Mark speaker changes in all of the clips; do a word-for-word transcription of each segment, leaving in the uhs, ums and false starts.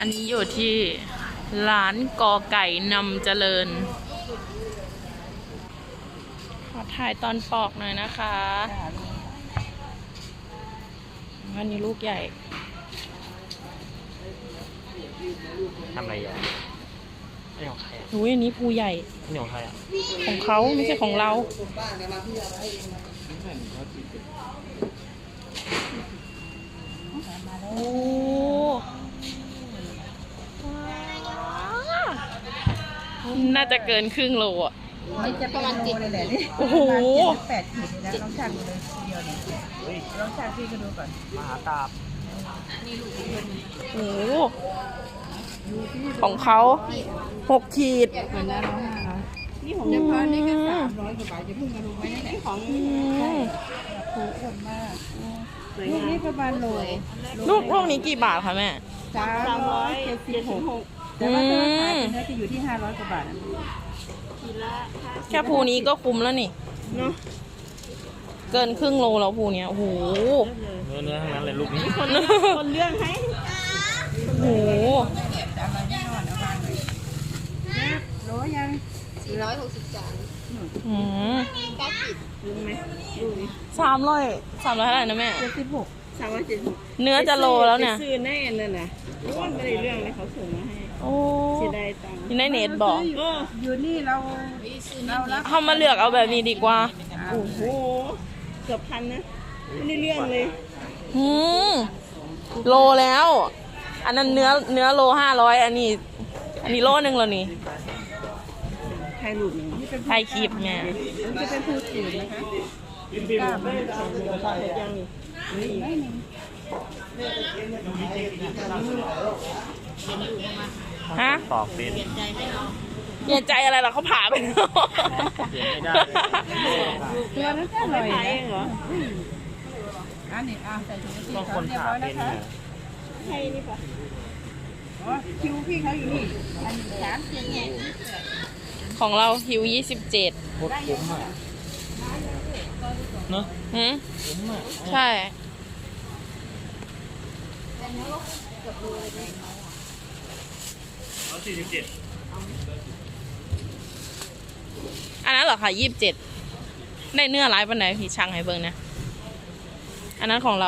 Speaker 1: อันนี้อยู่ที่ร้านกอไก่นำเจริญขอถ่ายตอนปอกหน่อยนะคะอันนี้ลูกใหญ่
Speaker 2: ทำอะไรอ่ะนี่ของใครอ่ะ
Speaker 1: อุ้ยอันนี้ภูใหญ่
Speaker 2: นี่ของใครอ่ะ
Speaker 1: ของเขาไม่ใช่ของเราโอ้น่าจะเกินครึ่งโลอ่ะ
Speaker 3: มันจะประมาณเจ็ดเลยแหละนี่
Speaker 1: โอ้โห
Speaker 3: แปดขีดเลยนะลองชั่งดูเลยทีเดียวเนี่ยลองชั่งพี่ก็ดูก่อน
Speaker 2: มหาตาบ
Speaker 1: โอ้โหของเขาหกขีด
Speaker 3: เหมือนนะร้อยห้าร้อยนี่ผมจะพานี่ก็สามร้อยกว่าบาทจะเพิ่งมาดูไว้นี่แหละของ
Speaker 1: อืม
Speaker 3: ถูกคนมากลูกนี้ประมาณโล
Speaker 1: ลูกลูกนี้กี่บาทคะแม่
Speaker 3: สามร้อยเจ็ดสิบหกแต่ว่าถ้าขายเป็นเนื้อจะอยู่ที่ห้าร้อยกว่าบาท
Speaker 1: แค่ภูนี้ก็คุ้มแล้วนี่เกินครึ่งโลแล้วภูเนี้ยโอ้โห
Speaker 2: เนื้อเนื้อทั้งนั้นเลยลูกนี้
Speaker 1: คนคนเรื่องให้โอ้โห
Speaker 3: อะไรแน่นอนเอาวางเลยนะโลยัง
Speaker 4: สี่ร้อยหกสิบจาน
Speaker 1: อืม
Speaker 4: เก้าขีด
Speaker 3: รู้ไหมรู้ไหม
Speaker 1: สามร้อยสามร้อยเท่าไหร่นะแม่
Speaker 3: เจ็ดสิบหกสามร้อยเจ็ดสิบหก
Speaker 1: เนื้อจะโลแล้วเนี่ย
Speaker 3: ซื้อแน่เลยนะรู้ว่าไม่ได้เรื่องเลยเขาส่งมาให้
Speaker 1: โอ้
Speaker 3: เสียดายตังค์
Speaker 1: ที่ในเน็ตบอก
Speaker 3: อยู่นี่เราเรารับ
Speaker 1: เขามาเลือกเอาแบบนี้ดีกว่า
Speaker 3: โอ้โหเกือบพันนะไม่ได้เรื่องเลย
Speaker 1: อืมโลแล้ว อันนั้นเนื้อเนื้อโลห้าร้อยอันนี้ อันนี้โลหนึ่งแล้วนี่
Speaker 3: ใครหลุดนี่เป็น
Speaker 1: ไทยคลิปไง
Speaker 3: จะเป็นผู้สื่อนะคะกล้าไม่ได้ยังนี่ไม่มี
Speaker 1: ฮะ
Speaker 2: ปอกเป็น
Speaker 1: เปลี่ยนใจอะไรล่ะเขาผ่าไปแล้ว
Speaker 2: เปลี่ยนไม่ได้
Speaker 3: ตัวนั้นแค่ลอยนะเหรออันนี้อ่าใส่ถุงสี
Speaker 2: บาง
Speaker 3: ขาว
Speaker 2: คน
Speaker 3: เรียบ
Speaker 2: ผ่า
Speaker 3: ร้อย
Speaker 2: เป็
Speaker 3: นะ
Speaker 2: น
Speaker 3: คะ
Speaker 2: เนี่ย
Speaker 3: ใช่นี่ปะอ๋อคิวพี่เขาอยู่นี่อันนี้สามเจ็ดหก
Speaker 1: ของเราฮิวยี่สิบเจ็ด
Speaker 2: โคตรคุ้มอ่ะเนอะ
Speaker 1: หืม
Speaker 2: คุ้มอ่ะ
Speaker 1: ใช่
Speaker 2: สี่สิบเจ็ด
Speaker 1: อันนั้นเหรอคะยี่สิบเจ็ดได้เนื้อร้ายปันไหนพี่ช่างให้เบิ่งนะ อันนั้นของเรา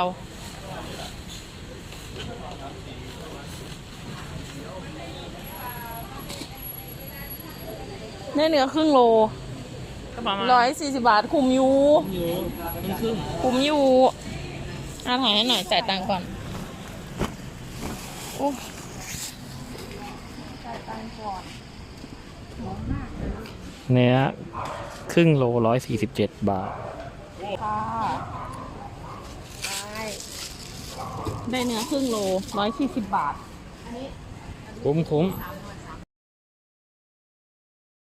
Speaker 1: ได้เนื้อครึ่งโล
Speaker 2: ก็ประมาณ
Speaker 1: ร้อยสี่สิบบาท คุมอยู่
Speaker 2: อยู่มันครึ่ง
Speaker 1: คุมอยู่อ่าถ่ายให้หน่อยจ่ายตังค์ก่อนโอ้
Speaker 2: เนื้อครึ่งโลร้อยสี่สิบเจ็ดบาท
Speaker 1: ค่ะได้เนื้อครึ่งโลร้อยสี่สิบบาท
Speaker 2: คุ้มคุ้ม
Speaker 4: สาม